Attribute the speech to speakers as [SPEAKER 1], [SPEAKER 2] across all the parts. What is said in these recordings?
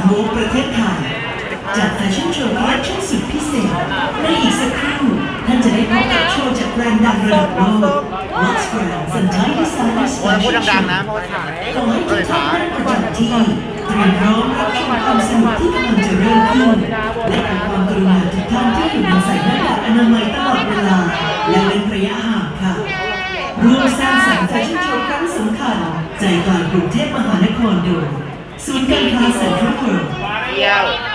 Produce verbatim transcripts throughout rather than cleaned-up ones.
[SPEAKER 1] โวกประเทศไทยจากแฟชั่นโชว์คอลเลคชั่นสุดพิเศษในอีกสักครู่ท่านจะได้พบกับโชว์จากแบรนด์ดังระดับโลก Watch Brands and Thai Designers
[SPEAKER 2] พูด
[SPEAKER 1] Fashion
[SPEAKER 2] ดัง
[SPEAKER 1] Show
[SPEAKER 2] ๆนะเพราะว่าถ่าย
[SPEAKER 1] ขอให้ทุกท่านนั่งประจำที่เตรียมพร้อมรับชมความสนุกที่กำลังจะเริ่มขึ้นและขอความกรุณาทุกท่านที่อยู่ในใส่หน้ากากอนามัยตลอดเวลาและเว้นระยะห่างค่ะร่วมสร้างสรรค์แฟชั่นโชว์ครั้งสำคัญใจกลางกรุงเทพมหานครโดยศูนย์การค้าเซ็นทรัลเวิลด์
[SPEAKER 2] เดียว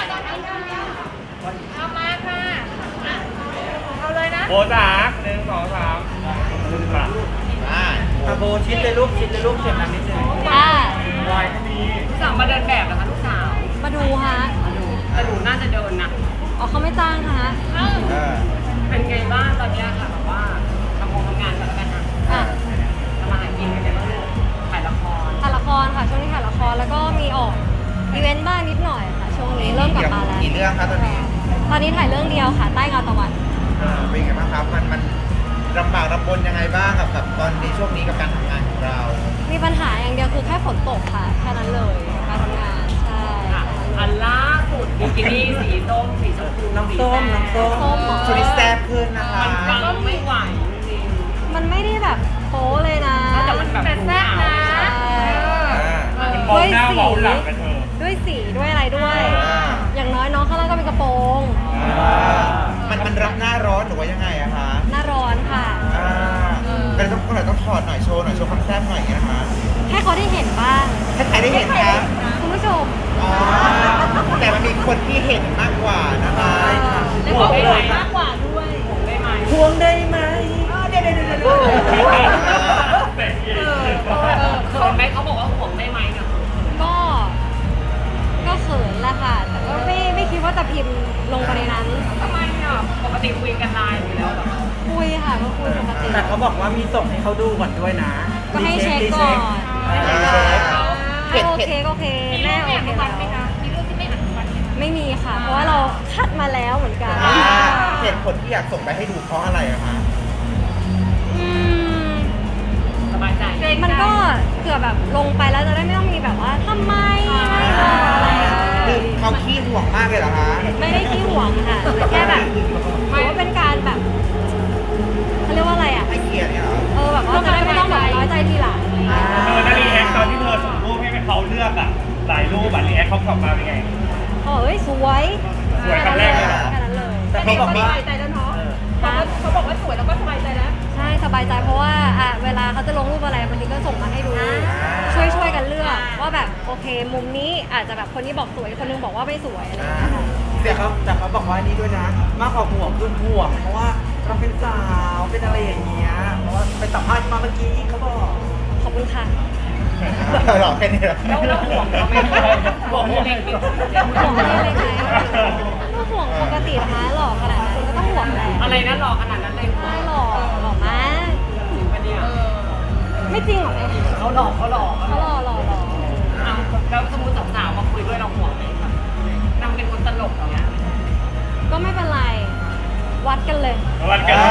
[SPEAKER 3] เอามาค่ะ เอาเลยนะ
[SPEAKER 4] โบจากหนึ่งสองสามมา
[SPEAKER 2] มา
[SPEAKER 4] อาโบชิดเลยลูกชิดเลยลูกเสียงดังนิดนึง
[SPEAKER 5] ค่ะ
[SPEAKER 4] วายที่นี่
[SPEAKER 3] ลูกสาวมาเดินแบบเหรอคะลูกสาว
[SPEAKER 5] มาดูฮะ
[SPEAKER 3] แต่หนูน่าจะเดินนะ
[SPEAKER 5] อ๋อเขาไม่จ้างค่ะ
[SPEAKER 3] เอ้า
[SPEAKER 2] เออ
[SPEAKER 3] เป็นไงบ้างตอนเนี้ยค่ะแบบว่าทำงานทำงานกันแล้วกันนะ
[SPEAKER 5] อ่ะ
[SPEAKER 3] ทำมาหากินกันเนี่ยถ่ายละคร
[SPEAKER 5] ถ่ายละครค่ะ ช่วงนี้ถ่ายละครแล้วก็มีออกอีเวนต์บ้างนิดหน่อยค่ะ ช่วงนี้เริ่มกลับมาแล้ว
[SPEAKER 2] กี่เรื่องครับตอนนี้
[SPEAKER 5] ตอนนี้ถ่ายเรื่องเดียวค่ะ ใต้เงาตะวัน
[SPEAKER 2] เออเป็นไงบ้างครับมันมันลำบากลำบนยังไงบ้างกับกับตอนในช่วงนี้กับการทำงานของเรา
[SPEAKER 5] มีปัญหาอย่างเดียวคือแค่ฝนตกค่ะ แค่นั้นเลยการทำงาน ใช่
[SPEAKER 3] ค่ะอันล่าสุดบิกินี่สีส้มสีชมพูน้ำส้มน้ำส้ม
[SPEAKER 5] ส้มเหรอ
[SPEAKER 2] ช่วงนี้แซ่บขึ้นนะคะ
[SPEAKER 3] มันก็ไม่ไหวจริง
[SPEAKER 5] มันไม่ได้แบบโป๊เลยนะ
[SPEAKER 3] แต่มันแบบแซ่บนะ
[SPEAKER 5] ใช่
[SPEAKER 2] อ่า
[SPEAKER 4] มันมองหน้ามองหลังกันเธอ
[SPEAKER 5] ด้วยสีด้วยอะไรด้วย
[SPEAKER 2] อ่า
[SPEAKER 5] อย่างน้อยน้องข้างล่างก็เป็นกระโปรง
[SPEAKER 2] อ่ามันมันรับหน้าร้อนหรือว่ายังไงอะคะ
[SPEAKER 5] หน้าร้อนค่ะ
[SPEAKER 2] อ่าก็เลยต้องก็เลยต้องถอดหน่อยโชว์หน่อยโชว์ความแซ่บหน่อยอย่างเงี้ยนะคะ
[SPEAKER 5] ให้เขาได้เห็นบ้าง
[SPEAKER 2] ถ้าใครได้เห็นคะ
[SPEAKER 5] คุณผู้ชม
[SPEAKER 2] อ๋อแต่มันมีคนที่เห็นมากกว่านะคะ
[SPEAKER 3] แล้วบอกได้ไหมมากกว่าด้วยได้ไหม
[SPEAKER 2] พวงได้ไหมเดี๋ยวเดี๋ยวเดี๋ยวเดี๋ยว
[SPEAKER 3] เออเออเขินไหมเขาบอกว่าห่วงได้ไหมเนี่ย
[SPEAKER 5] ก็ ก็เขินแหละค่ะ แต่ก็ไม่ไม่คิดว่าจะพิมพ์ลงไปในนั้น
[SPEAKER 3] ทำไมอ่ะปกติคุยกันไลน์อยู่แล้วเหรอ
[SPEAKER 5] คุยค่ะก็คุยปกติ
[SPEAKER 4] แต่เขาบอกว่ามีส่งให้เขาดูก่อนด้วยนะ
[SPEAKER 5] ก็ให้เช็คก่อน
[SPEAKER 2] อ่า
[SPEAKER 5] ถ้าโอเคก็โอเค แม่โอเคแล้ว
[SPEAKER 3] มีเรื่องที่ไม่อนุมัติไหมคะ
[SPEAKER 5] ไม่มีค่ะ เพราะว่าเราคัดมาแล้วเหมือนกัน
[SPEAKER 2] อ่าเหตุผลที่อยากส่งไปให้ดูเพราะอะไรอะคะ
[SPEAKER 5] อืม
[SPEAKER 3] สบายใจ
[SPEAKER 5] มันก็เกือบแบบลงไปแล้วจะได้ไม่ต้องมีแบบว่าทำไมไม่บอกอะไร
[SPEAKER 2] คือเขาขี้ห่วงมากเลยเหรอคะ
[SPEAKER 5] ไม่ได้ขี้หวงค่ะแต่แค่แบบถือว่าเป็นการแบบเขาเรียกว่าอะไรอ่ะ
[SPEAKER 2] ให้เกียรติเนี่ยเหรอ
[SPEAKER 5] เออแบบว่าจะได้ไม่ต้องแบบน้อยใจทีหลัง
[SPEAKER 4] เธอนารีแอคตอนที่เธอส่งรูปให้เขาเลือกอ่ะหลายรูปอ่ะรีแอคเขากลับมาเป็นไง
[SPEAKER 5] เขาบอกเอ้ยสวย
[SPEAKER 4] สวยคำแรกเลยเหรอ
[SPEAKER 5] แค่นั้นเลย
[SPEAKER 4] แต่เขาบอกว่า
[SPEAKER 3] สบายใจแล้วเนาะเขาบอกว่าสวยแล้วก็สบายใจแล้ว
[SPEAKER 5] ใช่สบายใจเพราะว่าอ่ะเวลาเขาจะลงรูปอะไรบางทีก็ส่งมาให้ดู ช่วยช่วยกันเลือกว่าแบบโอเค มุมนี้อาจจะแบบคนนี้บอกสวยคนนึงบอกว่าไม่สวยอะไรอย่างเงี้ยค่ะ
[SPEAKER 4] แต่เขาแต่เขาบอกว่านี่ด้วยนะ มากกว่าห่วงคือห่วง เพราะว่าเราเป็นสาวเป็นอะไรอย่างเงี้ยเพราะว่าไปสัมภาษณ์มาเมื่อกี้เขาบอก
[SPEAKER 5] ขอบคุณค่ะ
[SPEAKER 2] หรอแค่นี้เหรอ
[SPEAKER 3] แล้วแล้วห่วงเขาไหมห่วงเล็กๆ
[SPEAKER 5] ห่วงอะไรเลยไหมก็ห่วงปกตินะคะหล่อขนาดนั้นก็ต้องห่วงแหละ
[SPEAKER 3] อะไรนะหล่อขนาดนั้นเลย
[SPEAKER 5] ใช่หล่อหล่อมาก
[SPEAKER 3] จริงปะเนี่ย
[SPEAKER 5] ไม่จริงหรอเนี่ย
[SPEAKER 3] เขาหล่อเขาหล่อ
[SPEAKER 5] เขาหล่อหล่อหล่อ
[SPEAKER 3] เอาแล้วสมมติสาวๆมาคุยด้วยเราห่วงไหมคะนางเป็นคนตลกอย่างเงี้ย
[SPEAKER 5] ก็ไม่เป็นไร วัดกันเลย
[SPEAKER 4] วันกัน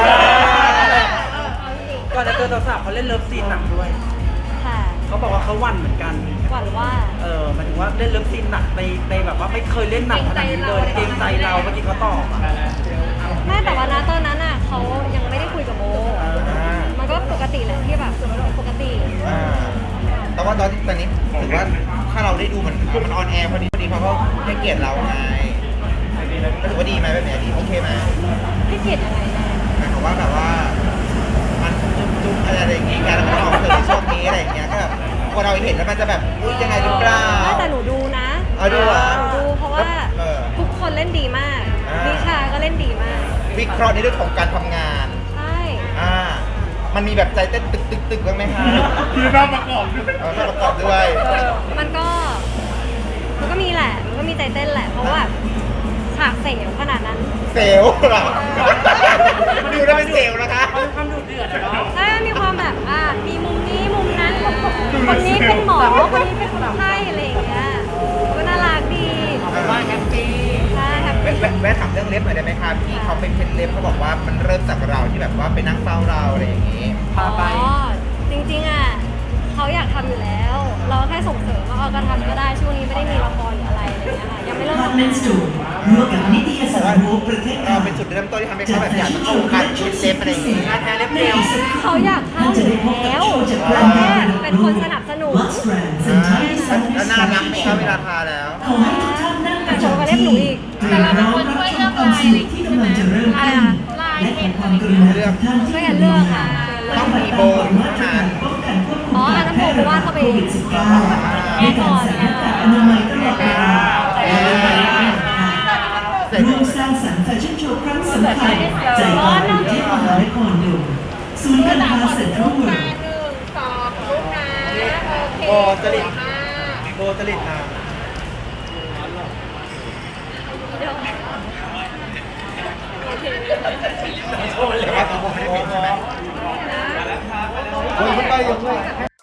[SPEAKER 6] ก่อนจะเจอสาวๆเขาเล่นเลิฟซีนหนักด้วย
[SPEAKER 5] ค่ะ
[SPEAKER 6] เขาบอกว่าเขาหวั่นเหมือนกัน
[SPEAKER 5] หวั่นว่า
[SPEAKER 6] เออหมายถึงว่าเล่นเลิฟซีนหนักในในแบบว่าไม่เคยเล่นหนักขนาดนี้เลยเกรงใจเราเมื่อกี้เขาตอบอะ
[SPEAKER 5] แม่แต่ว่านะตอนนั้นอ่ะเขายังไม่ได้คุยกับโม
[SPEAKER 2] อ่า
[SPEAKER 5] มันก็ปกติแหละที่แบบปกติ
[SPEAKER 2] อ่าแต่ว่าตอนนี้ตอนนี้ถือว่าถ้าเราได้ดูมันมันออนแอร์พอดีพอดีเขาก็ให้เกียรติเราไงก็ถือว่าดีไหมแบบนี้ดีโอเคไหม
[SPEAKER 5] ให้เกียรติยังไงแม่
[SPEAKER 2] หมายความว่าแบบว่ามันจุ๊บจุ๊บอะไรอย่างเงี้ยการมันออกเจอในช่วงนี้อะไรอย่างเงี้ยก็แบบพอเราเห็นแล้วมันจะแบบอุ้ยยังไงหรือเปล่า
[SPEAKER 5] ไม่แต่หนูดูนะ
[SPEAKER 2] เอาดูเหรอ
[SPEAKER 5] หนูดูเพราะว่า
[SPEAKER 2] เออ
[SPEAKER 5] ทุกคนเล่นดีมาก
[SPEAKER 2] อ่า
[SPEAKER 5] นิชาก็เล่นดีมาก
[SPEAKER 2] วิเคราะห์ในเรื่องของการทำงาน
[SPEAKER 5] ใช่
[SPEAKER 2] อ่า มันมีแบบใจเต้นตึกตึกตึกบ้างไหมคะ
[SPEAKER 4] ที่น้าประกอบด้วย
[SPEAKER 2] เออต้องประกอบด้วย
[SPEAKER 5] มันก็ มันก็มีแหละ มันก็มีใจเต้นแหละ เพราะว่าฉากเสียวขนาดนั้น
[SPEAKER 2] เซลล์เหรอมันดูแล้วเป็นเซลล์นะคะ
[SPEAKER 6] ความดุเดือดอะเนาะ
[SPEAKER 5] ใช่มีความแบบ อ่า มีมุมนี้มุมนั้น คนนี้เป็นหมอ คนนี้เป็นคนไข้อะไรอย่างเงี้ย ก็น่ารักดี
[SPEAKER 3] ว่าแฮปปี้
[SPEAKER 5] ใช่แฮป
[SPEAKER 2] แวะ
[SPEAKER 5] ปี้
[SPEAKER 2] แวะแวะถามเรื่องเล็บหน่อยได้ไหมคะพี่เขาเป็นเพชรเล็บเขาบอกว่ามันเริ่มจากเราที่แบบว่าไปนั่งเฝ้าเราอะไรอย่างนี้
[SPEAKER 6] พาไป
[SPEAKER 5] อ๋อ จริงๆอ่ะเขาอยากทำอยู่แล้ว เราแค่ส่งเสริมว่าเอาก็ทำก็ได้ ช่วงนี้ไม่ได้มีละครหรืออะไรอะไรอย่างเงี้ยค่ะยังไม่เริ่ม
[SPEAKER 1] คอน
[SPEAKER 5] ทำ
[SPEAKER 1] เม
[SPEAKER 5] งาน
[SPEAKER 1] นต์สตูร่วมกับนิตยสารโวประเทศไท
[SPEAKER 2] เรา
[SPEAKER 1] ย
[SPEAKER 2] เป็นจุดเริ่มต้นที่ทำให้เขาแบบอยากจะเข้าวงการชุดเซฟอะไรอย่างเงี้ย
[SPEAKER 4] งานแท้เล็บเจล
[SPEAKER 5] เขาอยากเข้าอยู่แล้วเราแค่เป็นคนสนับสนุน
[SPEAKER 1] Lux Brands and Thai Design
[SPEAKER 2] แล้วน่ารักไหมครับเวลาทาแล้ว
[SPEAKER 1] ขอให้ทุกท่านนั่งประจำ
[SPEAKER 5] แต่
[SPEAKER 1] ที่
[SPEAKER 5] เราก็เรียกหนูอีก
[SPEAKER 1] เตรียมพร้อมรับชมความสนุกที่กำลังจะเริ่มขึ้นและขอความกรุณาทุกท่านที่
[SPEAKER 5] ช่วย
[SPEAKER 1] อ
[SPEAKER 5] กัน
[SPEAKER 1] ยู่
[SPEAKER 5] เลื
[SPEAKER 1] ใน
[SPEAKER 5] อก
[SPEAKER 1] งา
[SPEAKER 5] ค่ะ
[SPEAKER 1] นปฏิบัติตามกฎมาตรการป้องกันควบคุม
[SPEAKER 5] อ๋ออั
[SPEAKER 1] กาน ร
[SPEAKER 5] นั้น
[SPEAKER 1] แพร่
[SPEAKER 5] โบ
[SPEAKER 1] ระ
[SPEAKER 5] ว่า
[SPEAKER 1] บาด
[SPEAKER 5] เข้า
[SPEAKER 1] โค
[SPEAKER 5] ไปเอง
[SPEAKER 1] วิด สิบเก้า ด้วยการใส่หน้ากากอนามัยตลอดเวลาและเว้นระยะห่างค่ะร่วมสร้างสรรค์แฟชั่นโชว์ครั้งสำคัญใจกลางกรุงเทพมหานครโดยศูนย์การค้าเซ็นทรัลเวิลด์
[SPEAKER 4] โบจริตโบจริตนะ
[SPEAKER 2] แต่ว่าตัวผมไม่ได้เป็นใช่ไหม
[SPEAKER 4] โอ้ยไม่ไปยังไง